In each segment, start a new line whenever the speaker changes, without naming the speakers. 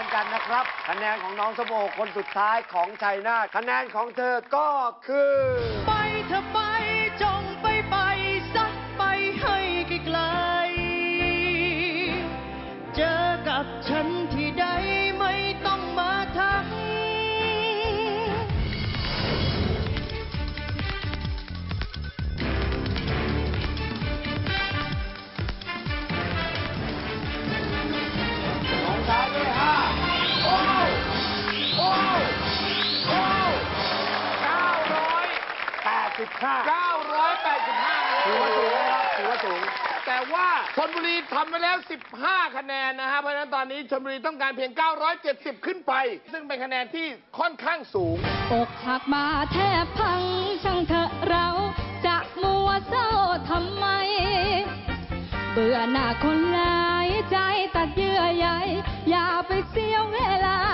นกันนะครับคะแนนของน้องส้มโอคนสุดท้ายของชัยนาทคะแนนของเธอก็คือ
ไปเธอไปจงไปสักไปให้ไกลๆเจอกับฉันที่ใดไม่ต้องมาทัก
985ถือว่าสูงนะครับถือว่าสูง
แต่ว่าชลบุรีทำไปแล้ว15คะแนนนะฮะเพราะฉะนั้นตอนนี้ชลบุรีต้องการเพียง970ขึ้นไป ซึ่งเป็นคะแนนที่ค่อนข้างสูง
อกหักมาแทบพังช่างเถอะเราจะมัวเศร้าทำไมเบื่อหน้าคนหลายใจตัดเยื่อใยอย่าไปเสียเวลา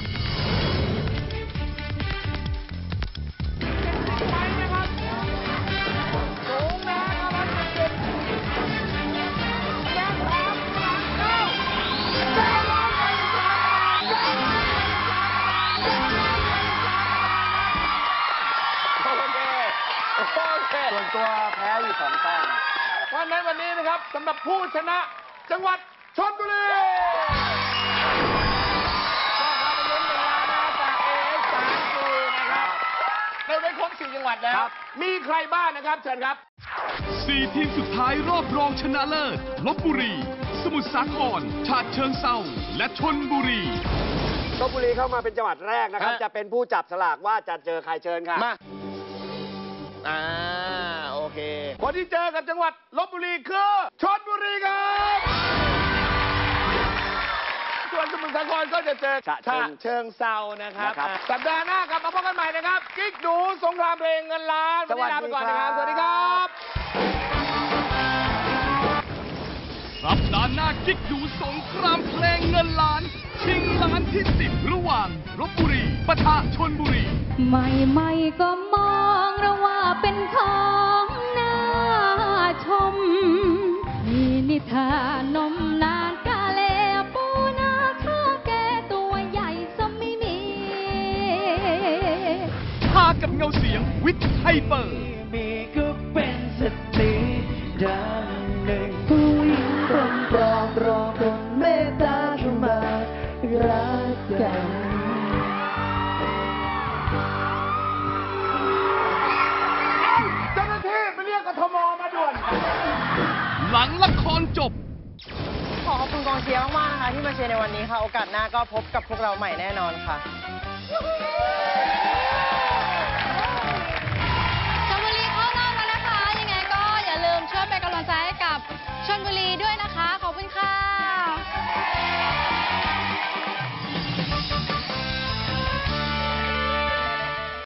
ส่วนตัวแพ้อยู่2 แต้ม
เพราะฉะนั้นวันนี้นะครับสำหรับผู้ชนะจังหวัดชลบุรีก็พาไปลุ้นเงินล้านนะจาก AS 3 G นะครับเราได้ครบ4จังหวัดแล้วมีใครบ้างนะครับเชิญครับ
4 ทีมสุดท้ายรอบรองชนะเลิศลพบุรีสมุทรสาครฉะเชิงเทราและชลบุรี
ลพบุรีเข้ามาเป็นจังหวัดแรกนะครับจะเป็นผู้จับสลากว่าจะเจอใครเชิญค่ะ
มาโอเคคนที่เจอกับจังหวัดลพบุรีคือชลบุรีครับส่วนสมุทรสาครก็จะเจอฉะเชิงเทรานะครับสัปดาห์หน้ากลับมาพบกันใหม่นะครับกิ๊กดูสงครามเพลงเงินล้านวันนี้ลาไปก่อนนะครับสวัสดีครับ
สัปดาห์หน้ากิ๊กดูสงครามเพลงเงินล้านชิงล้านที่10ระหว่างลพบุรีปะทะชลบุรี
ไม่ก็มองเราว่าเป็นของน่าชมมีนิทานนมนานกาเลปูนาข้าแก่ตัวใหญ่ซะไม่มี
พากับเงาเสียงวิทย์ไฮเปอร์
มีก็เป็นสติดังหนึ่งผู้หญิงคนปลอมรอคนเมตตาเข้ามารักกัน
กทมมาด่วน
หลังละครจบ
ขอขอบคุณกองเชียร์มากๆนะคะที่มาเชียร์ในวันนี้ค่ะโอกาสหน้าก็พบกับพวกเราใหม่แน่นอนค่ะ